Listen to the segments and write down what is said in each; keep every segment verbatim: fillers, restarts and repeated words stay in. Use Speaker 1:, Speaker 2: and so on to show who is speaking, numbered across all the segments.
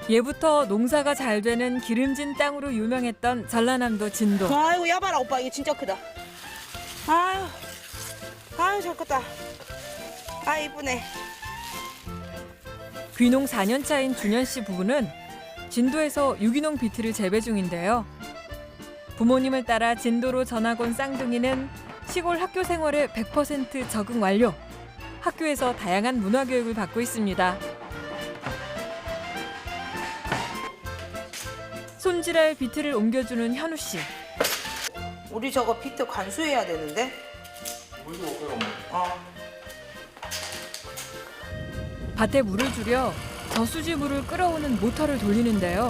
Speaker 1: 예부터 농사가 잘 되는 기름진 땅으로 유명했던 전라남도 진도.
Speaker 2: 아이고 야봐라 오빠 이게 진짜 크다. 아유 아유 잘 컸다. 아 이쁘네.
Speaker 1: 귀농 사 년 차인 준현 씨 부부는 진도에서 유기농 비트를 재배 중인데요. 부모님을 따라 진도로 전학 온 쌍둥이는 시골 학교 생활에 백 퍼센트 적응 완료. 학교에서 다양한 문화 교육을 받고 있습니다. 손질할 비트를 옮겨주는 현우 씨.
Speaker 2: 우리 저거 비트 관수해야 되는데. 어.
Speaker 1: 밭에 물을 줄여 저수지 물을 끌어오는 모터를 돌리는데요.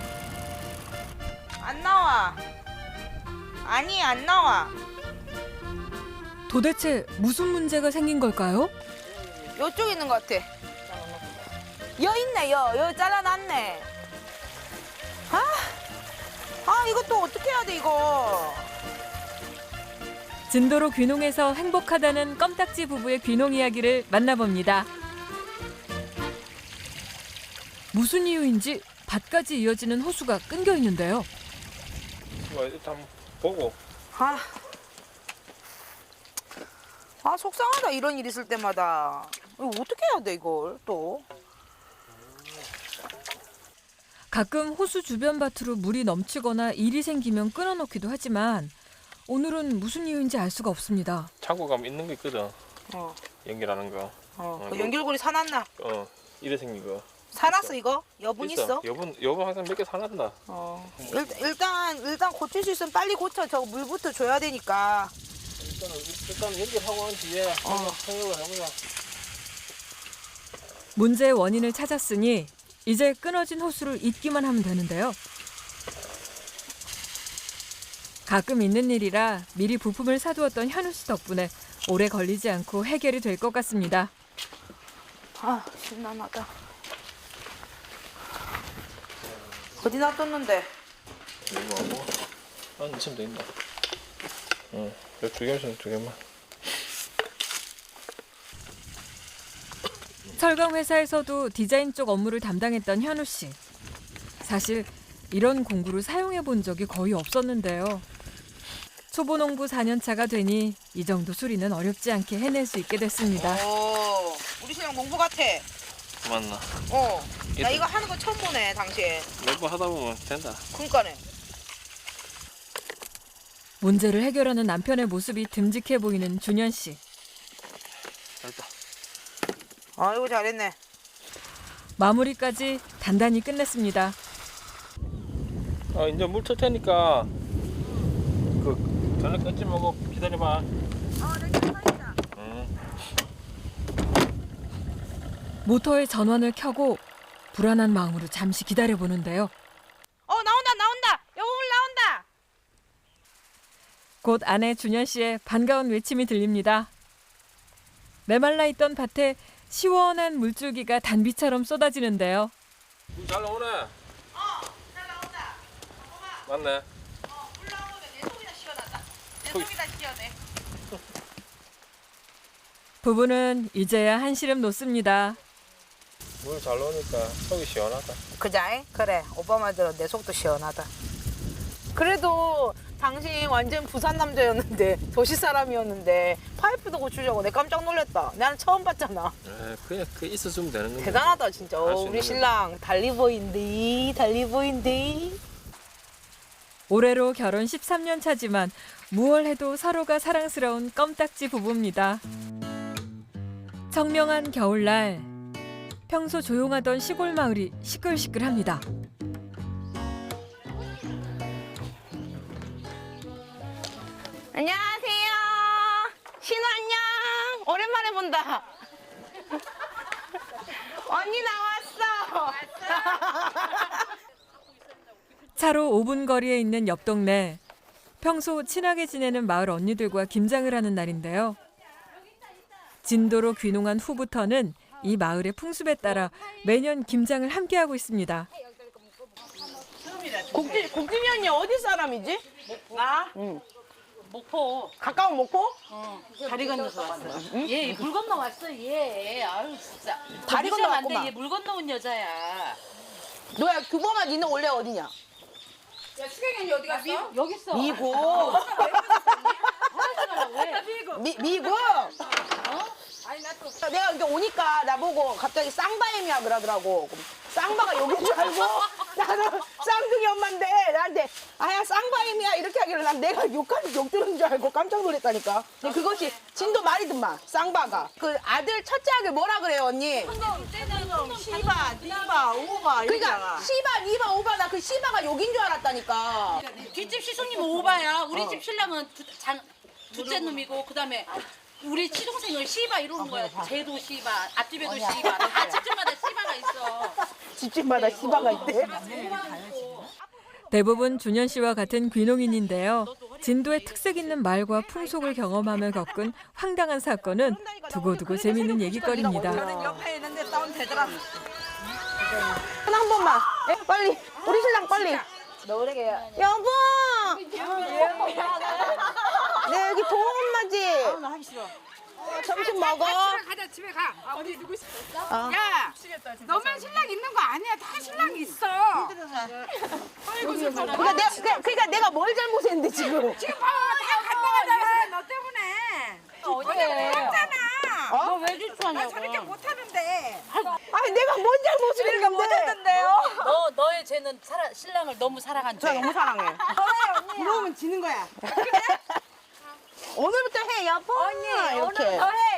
Speaker 2: 안 나와. 아니 안 나와.
Speaker 1: 도대체 무슨 문제가 생긴 걸까요?
Speaker 2: 요쪽에 있는 것 같아. 여 있네 여. 여 잘라놨네. 아, 아 이거 또 어떻게 해야 돼 이거.
Speaker 1: 진도로 귀농해서 행복하다는 껌딱지 부부의 귀농 이야기를 만나봅니다. 무슨 이유인지 밭까지 이어지는 호수가 끊겨 있는데요.
Speaker 3: 일단 보고.
Speaker 2: 아, 아 속상하다 이런 일 있을 때마다. 이거 어떻게 해야 돼 이걸 또.
Speaker 1: 가끔 호수 주변 밭으로 물이 넘치거나 일이 생기면 끊어놓기도 하지만 오늘은 무슨 이유인지 알 수가 없습니다.
Speaker 3: 창고 가면 있는 거 있거든.
Speaker 2: 어,
Speaker 3: 연결하는 거.
Speaker 2: 어.
Speaker 3: 어,
Speaker 2: 그 연결고리 사놨나?
Speaker 3: 어, 이래 생긴 거.
Speaker 2: 사놨어 이거? 여분 있어?
Speaker 3: 여분, 여분 항상 몇 개 사놨다.
Speaker 2: 어. 일, 일단 일단 고칠 수 있으면 빨리 고쳐. 저 물부터 줘야 되니까.
Speaker 3: 일단은 일단 연결하고 난 뒤에 한번 생각을 해보자.
Speaker 1: 문제의 원인을 찾았으니 이제 끊어진 호수를 잇기만 하면 되는데요. 가끔 있는 일이라 미리 부품을 사두었던 현우 씨 덕분에 오래 걸리지 않고 해결이 될 것 같습니다.
Speaker 2: 아 신나하다. 어디 놔뒀는데?
Speaker 3: 이거 하고 한 이쯤 돼 있나? 응, 두 개만 두 개만.
Speaker 1: 철강 회사에서도 디자인 쪽 업무를 담당했던 현우 씨. 사실 이런 공구를 사용해 본 적이 거의 없었는데요. 초보 농부 사 년 차가 되니 이 정도 수리는 어렵지 않게 해낼 수 있게 됐습니다.
Speaker 2: 오, 우리 신랑 농부 같아.
Speaker 3: 맞나?
Speaker 2: 어, 나 이거 하는 거 처음 보네 당시에.
Speaker 3: 몇 번 하다 보면 된다.
Speaker 2: 그러니까네.
Speaker 1: 문제를 해결하는 남편의 모습이 듬직해 보이는 준현 씨.
Speaker 3: 됐다.
Speaker 2: 아이고 잘했네.
Speaker 1: 마무리까지 단단히 끝냈습니다.
Speaker 3: 어, 이제 물 틀 테니까 그 전에 끊지 말고 기다려봐.
Speaker 2: 어, 내 괜찮다.
Speaker 3: 응.
Speaker 1: 모터의 전원을 켜고 불안한 마음으로 잠시 기다려보는데요.
Speaker 2: 어 나온다 나온다. 여보 물 나온다.
Speaker 1: 곧 아내 준현 씨의 반가운 외침이 들립니다. 메말라 있던 밭에 시원한 물줄기가 단비처럼 쏟아지는데요.
Speaker 3: 물 잘 나오네.
Speaker 2: 어, 잘 나온다.
Speaker 3: 맞네.
Speaker 2: 어, 물 나오면 내 속이나 시원하다. 내 속이나 시원해.
Speaker 1: 부부는 이제야 한시름 놓습니다.
Speaker 3: 물 잘 나오니까 속이 시원하다.
Speaker 2: 그자잉? 그래. 오빠 말대로 내 속도 시원하다. 그래도 당신 완전 부산 남자였는데 도시 사람이었는데 파이프도 고치려고 내 깜짝 놀랐다. 나는 처음 봤잖아.
Speaker 3: 에, 그냥 그 있어주면 되는 거야.
Speaker 2: 대단하다 진짜.
Speaker 3: 할수
Speaker 2: 어, 우리
Speaker 3: 있는
Speaker 2: 신랑 달리보인디 달리보인디.
Speaker 1: 올해로 결혼 십삼 년 차지만 무얼 해도 서로가 사랑스러운 껌딱지 부부입니다. 청명한 겨울날 평소 조용하던 시골 마을이 시끌시끌합니다.
Speaker 2: 안녕하세요. 신우 안녕. 오랜만에 본다. 언니 나왔어.
Speaker 1: 차로 오 분 거리에 있는 옆 동네. 평소 친하게 지내는 마을 언니들과 김장을 하는 날인데요. 진도로 귀농한 후부터는 이 마을의 풍습에 따라 매년 김장을 함께하고 있습니다.
Speaker 2: 국지, 국진이 언니 어디 사람이지?
Speaker 4: 나?
Speaker 2: 응.
Speaker 4: 목포.
Speaker 2: 가까운 목포?
Speaker 4: 어. 다리 건너서 왔어. 얘 물 건너 왔어, 얘. 아유, 진짜.
Speaker 2: 다리
Speaker 4: 건너
Speaker 2: 건너왔구만.
Speaker 4: 왔는데 얘 물 건너온 여자야.
Speaker 2: 너야 규범아 니는 원래 어디냐?
Speaker 4: 야 수경이 어디 갔어? 미, 여기 있어.
Speaker 2: 미국.
Speaker 4: 왜?
Speaker 2: 미, 미국?
Speaker 4: 아니 나 또.
Speaker 2: 내가 이제 오니까 나보고 갑자기 쌍바엠이야 그러더라고. 그럼 쌍바가 여긴 줄 알고 나는 쌍둥이 엄마인데 나한테 아야 쌍바엠이야 이렇게 하길래 난 내가 욕하는 욕 들은 줄 알고 깜짝 놀랐다니까. 근데 그것이 진도 말이든만 쌍바가. 그 아들 첫째 아들 뭐라 그래요 언니?
Speaker 4: 시바, 니바, 오바
Speaker 2: 그러니까 시바, 니바, 오바 나 그 시바가 욕인 줄 알았다니까.
Speaker 4: 뒷집 시숙님은 오바야. 우리 집 신랑은 두, 장, 둘째 놈이고 그다음에 우리 시동생을 시바 이러는 거야. 쟤도 시바, 앞집에도 시바. 다 집집마다 시바가 있어.
Speaker 2: 집집마다 시바가 있대.
Speaker 1: 대부분 준현 씨와 같은 귀농인인데요. 진도의 특색 있는 말과 풍속을 경험하며 겪은 황당한 사건은 두고두고 재밌는 얘기거리입니다.
Speaker 4: 옆에 있는데 다운 되더라.
Speaker 2: 하나 한 번만. 예, 빨리. 우리 신랑 빨리. 여보. 네 여기 동호 엄마지.
Speaker 4: 나 하기 싫어.
Speaker 2: 점심 먹어.
Speaker 5: 가자 집에 가. 아, 우리 누구 있어? 야, 너만 신랑 있는 거 아니야. 다 신랑 있어. 아이고 세상에.
Speaker 2: 그러니까 내가 그러니까, 그러니까 내가 뭘 잘못했는데 지금.
Speaker 5: 지금 봐봐 다 갔다 가잖아. 너 때문에. 어제 못했잖아.
Speaker 2: 어?
Speaker 4: 왜 질투하냐고.
Speaker 5: 저렇게 못하는데.
Speaker 2: 아니 내가 뭔 잘못을 했는데. 못했는데요.
Speaker 4: 너 너의 쟤는 사라, 신랑을 너무 사랑한
Speaker 2: 저
Speaker 4: 죄.
Speaker 2: 너무 사랑해.
Speaker 5: 부러우면 지는 거야.
Speaker 2: 오늘부터 해 여보. 언니 이렇게.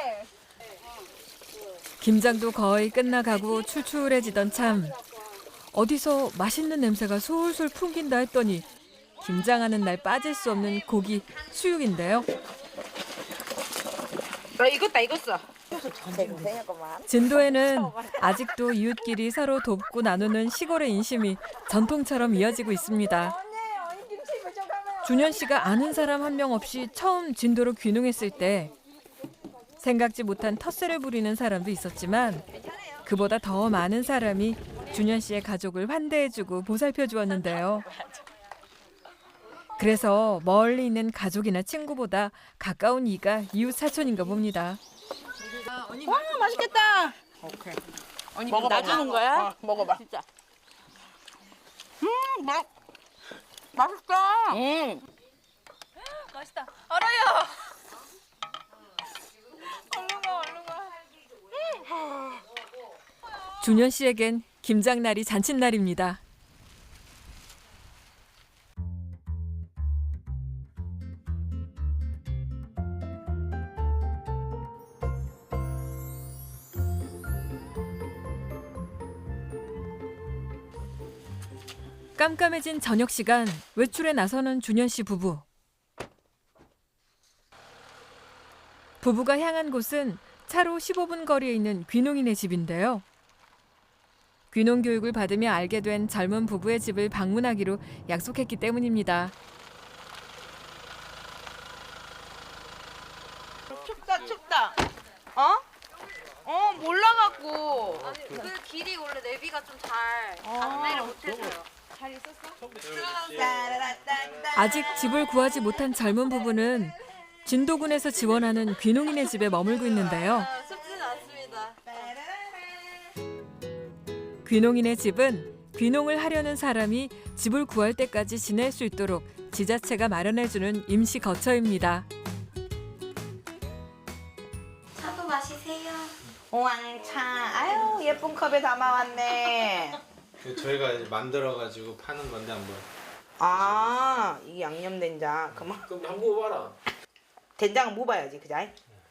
Speaker 1: 김장도 거의 끝나가고 출출해지던 참 어디서 맛있는 냄새가 솔솔 풍긴다 했더니 김장하는 날 빠질 수 없는 고기 수육인데요.
Speaker 5: 너 익었다 익었어.
Speaker 1: 진도에는 아직도 이웃끼리 서로 돕고 나누는 시골의 인심이 전통처럼 이어지고 있습니다. 준현 씨가 아는 사람 한 명 없이 처음 진도로 귀농했을 때 생각지 못한 텃세를 부리는 사람도 있었지만 그보다 더 많은 사람이 준현 씨의 가족을 환대해주고 보살펴 주었는데요. 그래서 멀리 있는 가족이나 친구보다 가까운 이가 이웃 사촌인가 봅니다.
Speaker 2: 와 맛있겠다.
Speaker 4: 언니
Speaker 2: 먹어봐.
Speaker 4: 놔주는 거야?
Speaker 2: 어, 먹어봐.
Speaker 4: 진짜.
Speaker 2: 음, 맛.
Speaker 4: 맛있다.
Speaker 2: 음.
Speaker 1: 맛있다. 알아요. 준현 씨에겐 김장날이 잔칫날입니다. 깜깜해진 저녁 시간 외출에 나서는 준현 씨 부부. 부부가 향한 곳은 차로 십오 분 거리에 있는 귀농인의 집인데요. 귀농 교육을 받으며 알게 된 젊은 부부의 집을 방문하기로 약속했기 때문입니다.
Speaker 2: 춥다 춥다. 어? 어 몰라갖고.
Speaker 6: 그 길이 원래 내비가 좀 잘 안내를 못해서요.
Speaker 1: 아직 집을 구하지 못한 젊은 부부는 진도군에서 지원하는 귀농인의 집에 머물고 있는데요.
Speaker 6: 쉽지는 않습니다.
Speaker 1: 귀농인의 집은 귀농을 하려는 사람이 집을 구할 때까지 지낼 수 있도록 지자체가 마련해주는 임시 거처입니다.
Speaker 6: 차도 마시세요.
Speaker 2: 왕차. 아유 예쁜 컵에 담아왔네.
Speaker 7: 저희가 이제 만들어가지고 파는 건데 한번.
Speaker 2: 아 이게 양념 된장. 그만.
Speaker 3: 그럼 한번 먹어봐라.
Speaker 2: 된장은 먹어야지 그자.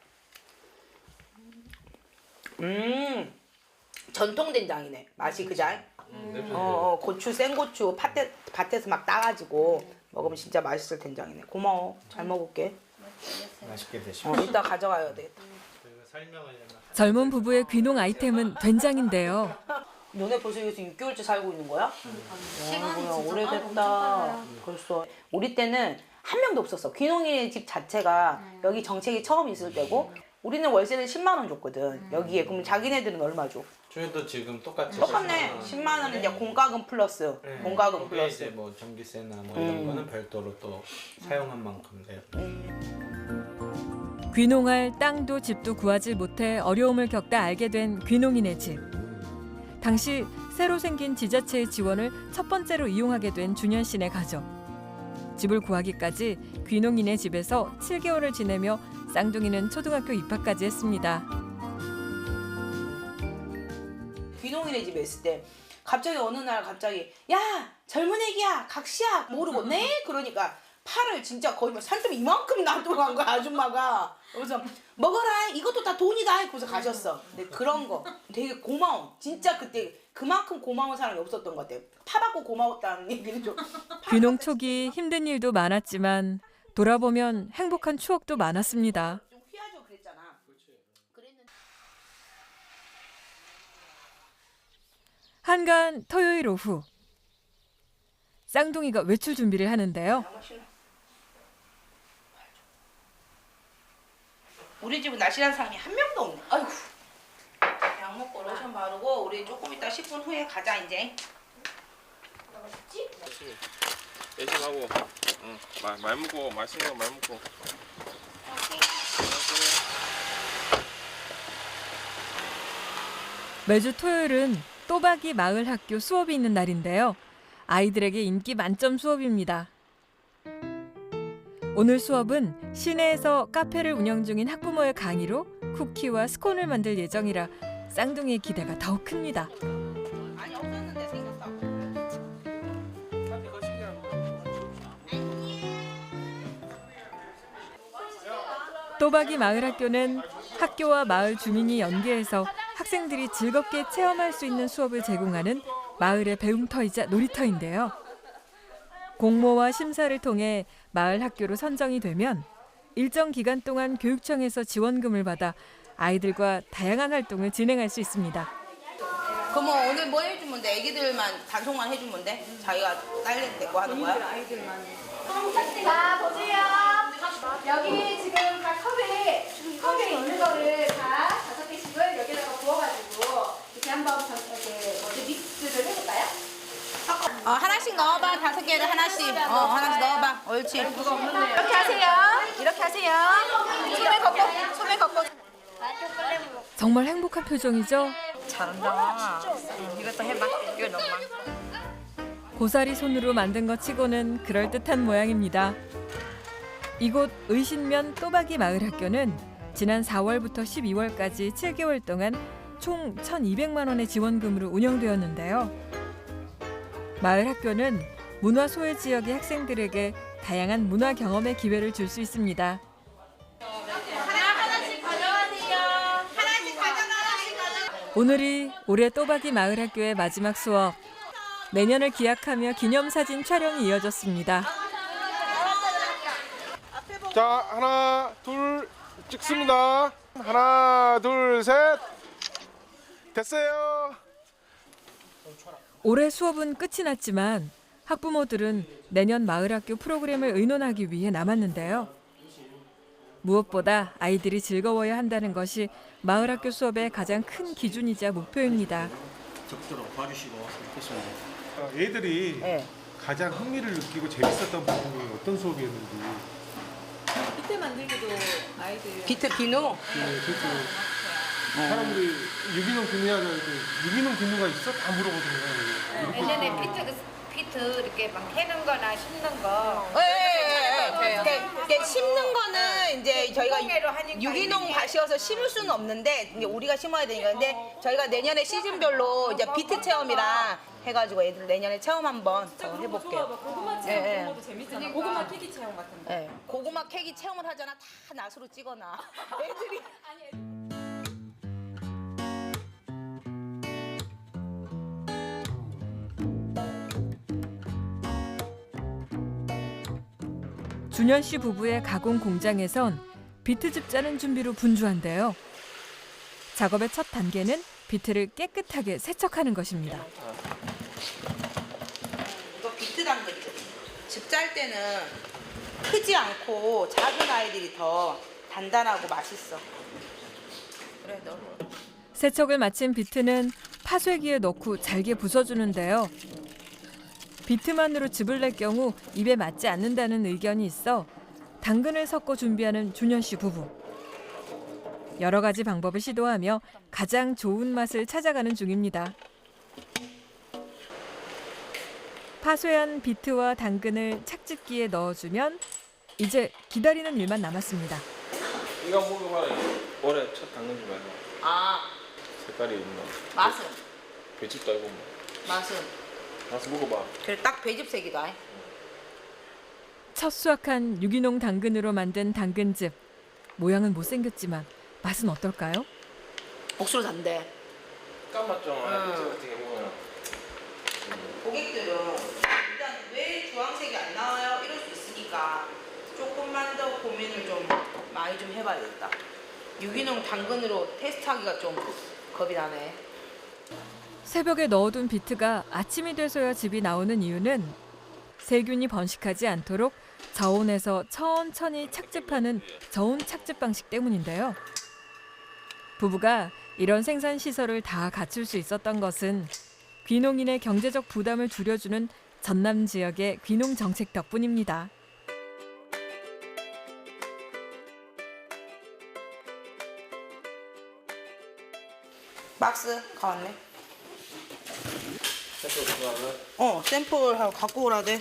Speaker 2: 음 전통 된장이네. 맛이 그자.
Speaker 3: 음,
Speaker 2: 어, 어 고추 생고추 밭에 밭에서 막 따가지고 먹으면 진짜 맛있을 된장이네. 고마워. 잘 먹을게.
Speaker 7: 맛있게 드시고.
Speaker 2: 어 이따 가져가야 되겠다.
Speaker 7: 저희가 설명을
Speaker 1: 젊은 부부의 귀농 아이템은 된장인데요.
Speaker 2: 너네 벌써 여기서 육 개월째 살고 있는 거야?
Speaker 6: 시간이
Speaker 2: 와,
Speaker 6: 진짜
Speaker 2: 오래됐다. 벌써 우리 때는 한 명도 없었어. 귀농이 집 자체가 여기 정책이 처음 있을 때고 우리는 월세를 십만 원 줬거든. 여기에 그럼 자기네들은 얼마 줘?
Speaker 7: 저희도 지금 똑같이.
Speaker 2: 똑같네. 십만 원은 이제 공과금 플러스.
Speaker 7: 네.
Speaker 2: 공과금
Speaker 7: 거기에
Speaker 2: 플러스.
Speaker 7: 이제 뭐 전기세나 뭐 이런
Speaker 2: 음.
Speaker 7: 거는 별도로 또 사용한 만큼 돼요.
Speaker 1: 귀농할 땅도 집도 구하지 못해 어려움을 겪다 알게 된 귀농인의 집. 당시 새로 생긴 지자체의 지원을 첫 번째로 이용하게 된 준현 씨네 가족. 집을 구하기까지 귀농인의 집에서 칠 개월을 지내며 쌍둥이는 초등학교 입학까지 했습니다.
Speaker 2: 귀농인의 집에 있을 때 갑자기 어느 날 갑자기 야 젊은 애기야 각시야 모르고 네 그러니까 팔을 진짜 거의 뭐 살점 이만큼 놔두고 거야 아줌마가. 그래서 먹어라 이것도 다 돈이다 그래서 가셨어. 근데 그런 거 되게 고마워. 진짜 그때 그만큼 고마운 사람이 없었던 것 같아요. 파 받고 고마웠다는 얘기를 좀.
Speaker 1: 귀농 초기 힘든 일도 많았지만 돌아보면 행복한 추억도 많았습니다.
Speaker 2: 좀 휘하죠 그랬잖아. 그랬는데
Speaker 1: 한간 토요일 오후 쌍둥이가 외출 준비를 하는데요.
Speaker 2: 우리 집은 날씬한 사람이 한 명도 없네. 아이고. 약 먹고 로션 바르고 우리 조금 이따 십 분 후에 가자 이제.
Speaker 3: 열심히 하고, 응, 말, 말 먹고, 맛있는 거 말 먹고.
Speaker 1: 매주 토요일은 또박이 마을 학교 수업이 있는 날인데요. 아이들에게 인기 만점 수업입니다. 오늘 수업은 시내에서 카페를 운영 중인 학부모의 강의로 쿠키와 스콘을 만들 예정이라 쌍둥이의 기대가 더욱 큽니다.
Speaker 2: 아니 없었는데 생겼다.
Speaker 1: 또박이 마을 학교는 학교와 마을 주민이 연계해서 학생들이 즐겁게 체험할 수 있는 수업을 제공하는 마을의 배움터이자 놀이터인데요. 공모와 심사를 통해 마을 학교로 선정이 되면 일정 기간 동안 교육청에서 지원금을 받아 아이들과 다양한 활동을 진행할 수 있습니다.
Speaker 2: 그럼 뭐 오늘 뭐 해주면 돼? 애기들만 단속만 해주면 돼? 자기가 딸내 데리고 하는 거야?
Speaker 8: 자, 보세요. 여기 지금 각 컵에, 컵에 있는 거를 다 다섯 개씩을 여기다가 부어가지고 이렇게 한번 전- 이렇게 뭐지 믹스를 해볼까요?
Speaker 2: 어 하나씩 넣어봐. 다섯 개를 하나씩. 어 하나씩 넣어봐. 옳지.
Speaker 8: 이렇게 하세요. 이렇게 하세요. 소매 걷고, 소매 걷고.
Speaker 1: 정말 행복한 표정이죠?
Speaker 6: 잘한다. 응, 이것도 해봐. 이거 넣어봐.
Speaker 1: 고사리 손으로 만든 것 치고는 그럴듯한 모양입니다. 이곳 의신면 또박이 마을학교는 지난 사월부터 십이월까지 칠 개월 동안 총 천이백만 원의 지원금으로 운영되었는데요. 마을학교는 문화 소외 지역의 학생들에게 다양한 문화 경험의 기회를 줄 수 있습니다. 오늘이 올해 또박이 마을학교의 마지막 수업. 내년을 기약하며 기념사진 촬영이 이어졌습니다.
Speaker 3: 자, 하나, 둘, 찍습니다. 하나, 둘, 셋. 됐어요.
Speaker 1: 올해 수업은 끝이 났지만 학부모들은 내년 마을학교 프로그램을 의논하기 위해 남았는데요. 무엇보다 아이들이 즐거워야 한다는 것이 마을학교 수업의 가장 큰 기준이자 목표입니다.
Speaker 9: 적도록 봐주시고 좋겠습니다.
Speaker 10: 애들이
Speaker 2: 네.
Speaker 10: 가장 흥미를 느끼고 재밌었던 부분이 어떤 수업이었는지.
Speaker 2: 비트 비누.
Speaker 10: 네, 그래서 사람들이 유기농 비누하자 유기농 비누가 있어? 다 물어보더라고요.
Speaker 8: 예전에 피트, 피트 이렇게 막 해는 거나 심는 거.
Speaker 2: 예, 예, 예. 이렇게, 이렇게 심는 거는 이제 저희가
Speaker 8: 유기농으로 하니까
Speaker 2: 유기농
Speaker 8: 이게-
Speaker 2: 밭이어서 심을 수는 없는데 이제 우리가 심어야 되니까 근데 저희가 내년에 시즌별로 이제 비트 체험이랑 해가지고 애들 내년에 체험 한번 더 해볼게요. 고구마 체험 그런 것도 재밌잖아. 고구마 캐기 체험 같은 거. 네, 고구마 캐기 체험을 하잖아. 다 낫으로 찍어놔. 애들이
Speaker 1: 준현 씨 부부의 가공 공장에선 비트즙 짜는 준비로 분주한데요. 작업의 첫 단계는 비트를 깨끗하게 세척하는 것입니다.
Speaker 2: 이거 비트 당근이거든. 즙 짤 때는 크지 않고 작은 아이들이 더 단단하고 맛있어. 그래 너.
Speaker 1: 세척을 마친 비트는 파쇄기에 넣고 잘게 부숴주는데요. 비트만으로 즙을 낼 경우 입에 맞지 않는다는 의견이 있어 당근을 섞어 준비하는 준현 씨 부부. 여러 가지 방법을 시도하며 가장 좋은 맛을 찾아가는 중입니다. 파쇄한 비트와 당근을 착즙기에 넣어주면 이제 기다리는 일만 남았습니다.
Speaker 3: 이거 먹어봐라. 올해 첫 당근 좀 해봐.
Speaker 2: 아,
Speaker 3: 색깔이 있나?
Speaker 2: 맛은?
Speaker 3: 배즙도 알고 뭐.
Speaker 2: 맛은?
Speaker 3: 가서 먹어봐.
Speaker 2: 그래, 딱 배즙색이다.
Speaker 1: 첫 수확한 유기농 당근으로 만든 당근즙. 모양은 못생겼지만 맛은 어떨까요?
Speaker 2: 억수로 단데.
Speaker 3: 깐맛 좀
Speaker 2: 응.
Speaker 3: 알겠지 어떻게 보면.
Speaker 2: 고객들은 일단 왜 주황색이 안 나와요? 이럴 수 있으니까 조금만 더 고민을 좀 많이 좀 해봐야겠다. 유기농 당근으로 테스트하기가 좀 겁이 나네.
Speaker 1: 새벽에 넣어둔 비트가 아침이 돼서야 즙이 나오는 이유는 세균이 번식하지 않도록 저온에서 천천히 착즙하는 저온 착즙 방식 때문인데요. 부부가 이런 생산 시설을 다 갖출 수 있었던 것은 귀농인의 경제적 부담을 줄여주는 전남 지역의 귀농 정책 덕분입니다.
Speaker 2: 박스 가왔네.
Speaker 3: 샘플 가져가면
Speaker 2: 어, 샘플 하고 갖고 오라대.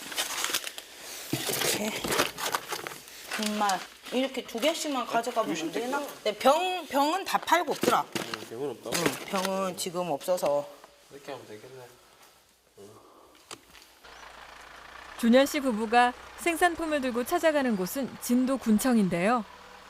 Speaker 2: 이렇게. 정말 이렇게 두 개씩만 가져가면 안 되나? 네, 병 병은 다 팔고 없더라.
Speaker 3: 병은 없다고?
Speaker 2: 응, 병은 지금 없어서.
Speaker 3: 이렇게 하면 되겠네.
Speaker 1: 준현 씨 부부가 생산품을 들고 찾아가는 곳은 진도 군청인데요.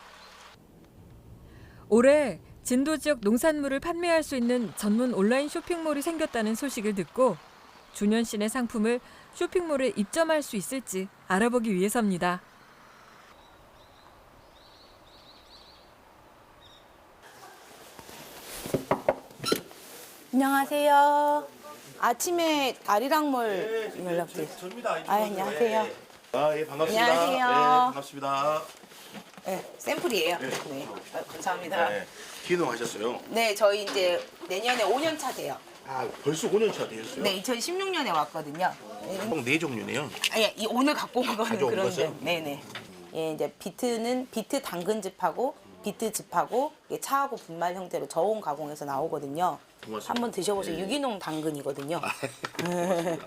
Speaker 1: 올해 진도 지역 농산물을 판매할 수 있는 전문 온라인 쇼핑몰이 생겼다는 소식을 듣고 준현 씨네 상품을 쇼핑몰에 입점할 수 있을지 알아보기 위해서입니다.
Speaker 2: 안녕하세요. 아침에 아리랑몰 연락드렸어요.
Speaker 9: 접니다.
Speaker 2: 아, 안녕하세요.
Speaker 9: 아, 예, 반갑습니다.
Speaker 2: 안녕하세요.
Speaker 9: 네, 반갑습니다.
Speaker 2: 네, 샘플이에요.
Speaker 9: 네.
Speaker 2: 네, 아, 감사합니다.
Speaker 9: 네. 기농하셨어요?
Speaker 2: 네, 저희 이제 내년에 오 년 차 돼요.
Speaker 9: 아, 벌써 오 년 차 되셨어요?
Speaker 2: 네, 이천십육 년에 왔거든요. 네.
Speaker 9: 총 네 종류네요.
Speaker 2: 아니, 이 오늘 갖고 온 거는
Speaker 9: 가져온
Speaker 2: 그런데.
Speaker 9: 거죠?
Speaker 2: 네네. 예, 이제 비트는 비트 당근즙하고 비트즙하고 이게 차하고 분말 형태로 저온 가공해서 나오거든요.
Speaker 9: 고맙습니다.
Speaker 2: 한번 드셔보세요.
Speaker 9: 예.
Speaker 2: 유기농 당근이거든요.
Speaker 9: 고맙습니다.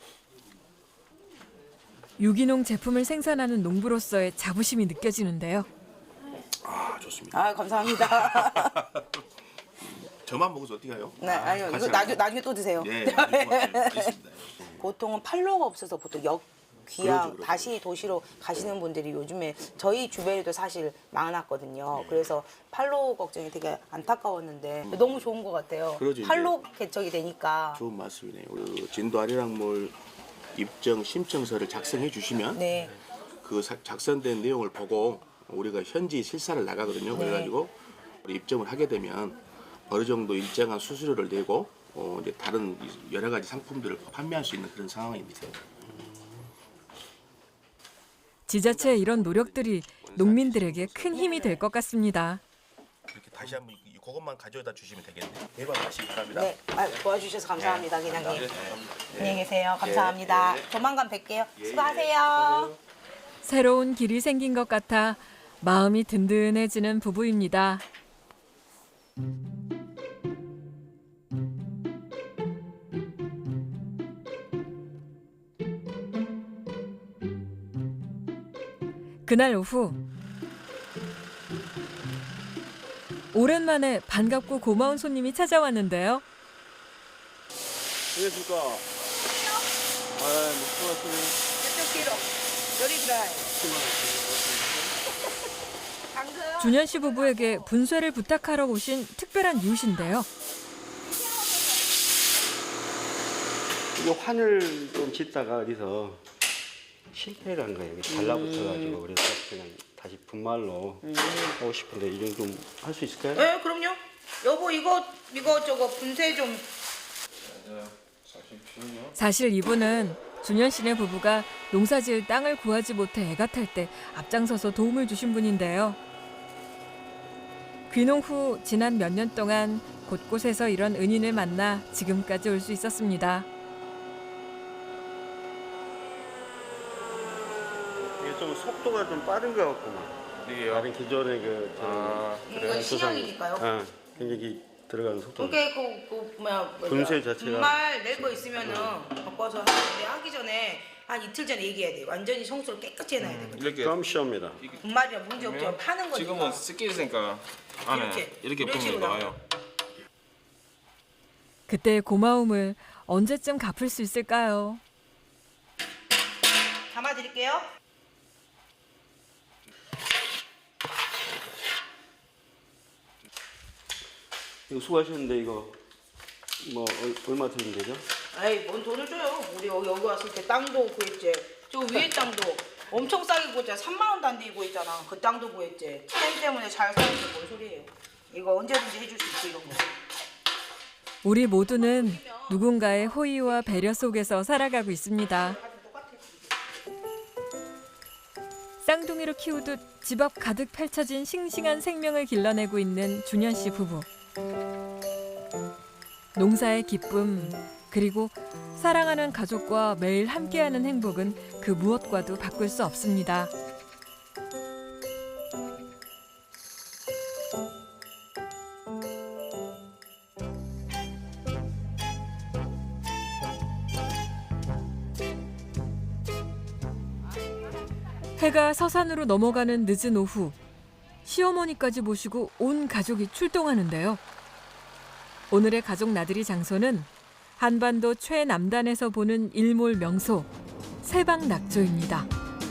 Speaker 1: 유기농 제품을 생산하는 농부로서의 자부심이 느껴지는데요.
Speaker 9: 아, 좋습니다.
Speaker 2: 아, 감사합니다.
Speaker 9: 저만 먹어서 어떻게 해요?
Speaker 2: 네, 아니요. 이거
Speaker 9: 같이
Speaker 2: 나중에,
Speaker 9: 하죠.
Speaker 2: 나중에 또 드세요.
Speaker 9: 예, 네, 고맙습니다. 알겠습니다.
Speaker 2: 보통은 팔로가 없어서 보통 역 귀양
Speaker 9: 그러죠, 그러죠.
Speaker 2: 다시 도시로 가시는 분들이 요즘에 저희 주변에도 사실 많았거든요. 그래서 팔로 걱정이 되게 안타까웠는데 너무 좋은 것 같아요.
Speaker 9: 그러죠, 이제.
Speaker 2: 팔로 개척이 되니까.
Speaker 9: 좋은 말씀이네요. 그 진도 아리랑몰 입정 신청서를 작성해 주시면
Speaker 2: 네.
Speaker 9: 그 사- 작성된 내용을 보고 우리가 현지 실사를 나가거든요.
Speaker 2: 네.
Speaker 9: 그래가지고 우리 입점을 하게 되면 어느 정도 일정한 수수료를 내고 어, 이제 다른 여러 가지 상품들을 판매할 수 있는 그런 상황입니다.
Speaker 1: 지자체의 이런 노력들이 농민들에게 큰 힘이 될 것 같습니다.
Speaker 9: 이렇게 다시 한번 이- 그것만 가져다 주시면 되겠네요. 대박 하시기 바랍니다.
Speaker 2: 네, 아, 도와주셔서 감사합니다,
Speaker 9: 네.
Speaker 2: 기장님.
Speaker 9: 네.
Speaker 2: 안녕히 계세요. 감사합니다.
Speaker 9: 예, 예.
Speaker 2: 조만간 뵐게요.
Speaker 9: 예,
Speaker 2: 수고하세요.
Speaker 1: 새로운 길이 생긴 것 같아 마음이 든든해지는 부부입니다. 그날 오후 오랜만에 반갑고 고마운 손님이 찾아왔는데요.
Speaker 3: 안녕하십니까. 아, 못 고맙습니다.
Speaker 2: 이쪽 뒤로. 요리 드라이. 당근.
Speaker 1: 준현 씨 부부에게 분쇄를 부탁하러 오신 특별한 이웃인데요.
Speaker 11: 이거 환을 좀 짓다가 어디서 실패를 한 거예요. 이게 달라붙어가지고 그래서 그냥 다시 분말로 하고 싶은데 이 정도 할 수 있을까요?
Speaker 2: 네, 그럼요. 여보 이거 이거 저거 분쇄 좀.
Speaker 1: 사실 이분은 준현 씨네 부부가 농사지을 땅을 구하지 못해 애가 탈 때 앞장서서 도움을 주신 분인데요. 귀농 후 지난 몇 년 동안 곳곳에서 이런 은인을 만나 지금까지 올 수 있었습니다.
Speaker 11: 이게 좀 속도가 좀 빠른 것 같구만.
Speaker 3: 이게요?
Speaker 11: 다른 기존의 그
Speaker 3: 아,
Speaker 2: 이거 신형이니까요.
Speaker 11: 어, 굉장히 들어가는 속도가
Speaker 2: 그게 그, 그 뭐야
Speaker 11: 분쇄 자체가
Speaker 2: 분말 낼 거 있으면은 바꿔서 하는데 하기 전에 한 이틀 전에 얘기해야 돼. 완전히 청소를 깨끗이 해놔야 돼.
Speaker 3: 이렇게
Speaker 11: 좀 쉬웁니다.
Speaker 2: 분말이야 문제 없죠. 파는 거니까.
Speaker 3: 지금은 습기 있으니까 안에
Speaker 2: 이렇게,
Speaker 3: 이렇게
Speaker 2: 이런
Speaker 3: 분이
Speaker 2: 식으로
Speaker 3: 나와요.
Speaker 1: 그때의 고마움을 언제쯤 갚을 수 있을까요?
Speaker 2: 담아드릴게요.
Speaker 11: 이거 수고하셨는데 이거 뭐 얼- 얼마 드리면 되죠?
Speaker 2: 아이 뭔 돈을 줘요. 우리 여기, 여기 왔을 때 땅도 구했지. 저 위에 땅도 엄청 싸게 구했잖아. 삼만 원도 안 되게 구했잖아. 그 땅도 구했지. 템 때문에 잘 사는데 뭔 소리예요. 이거 언제든지 해줄 수 있지 이런 거.
Speaker 1: 우리 모두는 누군가의 호의와 배려 속에서 살아가고 있습니다. 쌍둥이로 키우듯 집 앞 가득 펼쳐진 싱싱한 생명을 길러내고 있는 준현 씨 부부. 농사의 기쁨, 그리고 사랑하는 가족과 매일 함께하는 행복은 그 무엇과도 바꿀 수 없습니다. 해가 서산으로 넘어가는 늦은 오후, 시어머니까지 모시고 온 가족이 출동하는데요. 오늘의 가족 나들이 장소는 한반도 최남단에서 보는 일몰 명소 세방낙조입니다.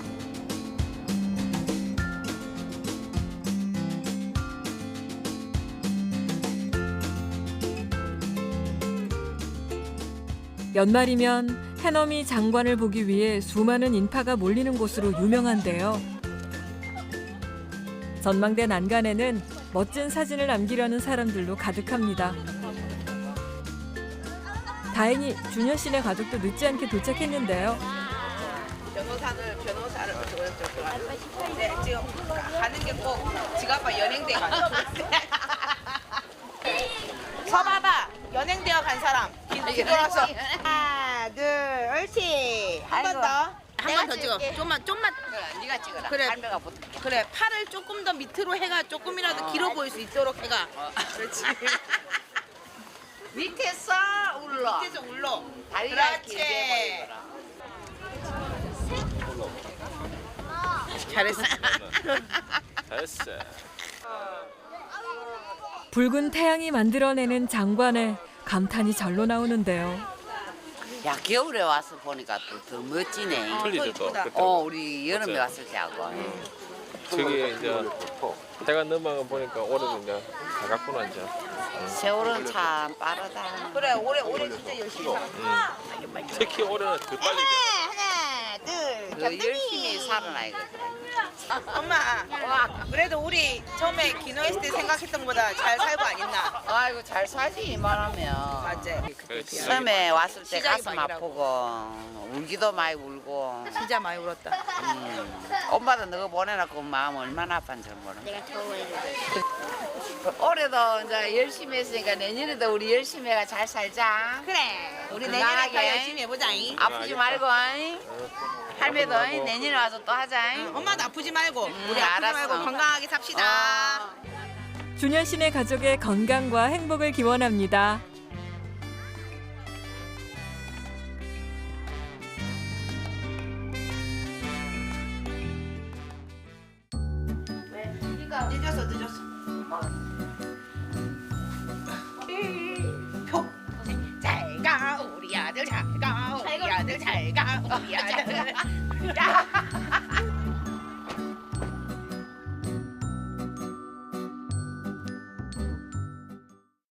Speaker 1: 연말이면 해넘이 장관을 보기 위해 수많은 인파가 몰리는 곳으로 유명한데요. 전망대 난간에는 멋진 사진을 남기려는 사람들로 가득합니다. 다행히 준현 씨네 가족도 늦지 않게 도착했는데요.
Speaker 2: 변호사를 변호사를 네, 지금 가는 게 꼭 지가 아빠 연행대 가는 서봐봐 연행대어 간 사람 뒤돌아서 하나 둘 옳지 한 번 더 한 번 더 찍어 좀만 좀만
Speaker 5: 네가 찍어라.
Speaker 2: 그래.
Speaker 5: 할매가 붙어.
Speaker 2: 그래 팔을 조금 더 밑으로 해가 조금이라도 길어 보일 수 있도록 해가 그렇지
Speaker 5: 밑에서 울러.
Speaker 2: 밑에서 울러
Speaker 5: 다리가
Speaker 2: 그렇지
Speaker 5: 길게
Speaker 2: 잘했어
Speaker 3: 됐어.
Speaker 1: 붉은 태양이 만들어내는 장관에 감탄이 절로 나오는데요.
Speaker 5: 야 겨울에 와서 보니까 또 더 멋지네.
Speaker 3: 틀리죠 또.
Speaker 2: 이쁘다.
Speaker 3: 그때.
Speaker 5: 어 우리 여름에
Speaker 3: 그치?
Speaker 5: 왔을 때하고.
Speaker 3: 저기 이제 해가 넘어가 보니까 올해도 이제 다 갔구나 이제.
Speaker 5: 세월은 참 빠르다.
Speaker 2: 그래 올해 올해 진짜 열심히 살았어
Speaker 3: 특히 올해는 더 빨리.
Speaker 2: 하나 둘
Speaker 5: 그 열심히 살아나거든.
Speaker 2: 엄마 그래도 우리 처음에 기노했을 때 생각했던 것보다 잘 살고 안 있나
Speaker 5: 아이고 잘 살지 이만하면.
Speaker 2: 맞지
Speaker 3: 그렇지.
Speaker 5: 처음에 왔을 때
Speaker 2: 시작이
Speaker 5: 가슴
Speaker 2: 막이라고.
Speaker 5: 아프고 울기도 많이 울고.
Speaker 2: 진짜 많이 울었다
Speaker 5: 음. 엄마도 너가 보내놓고 마음 얼마나 아팠는지 모르. 내가 올해도 이제 열심히 했으니까 내년에도 우리 열심히 해가 잘 살자.
Speaker 2: 그래 우리
Speaker 5: 건강하게.
Speaker 2: 내년에 더 열심히 해보자 잉.
Speaker 5: 아프지 말고 잉? 할매도 잉? 내년에 와서 또 하자. 잉?
Speaker 2: 엄마도 아프지 말고 우리 아프지
Speaker 5: 알았어.
Speaker 2: 말고 건강하게 삽시다
Speaker 5: 어.
Speaker 1: 준현 씨네 가족의 건강과 행복을 기원합니다.
Speaker 2: 늦었어 늦었어 잘가 우리 아들 잘가 우리 아들 잘가 우리 아들 야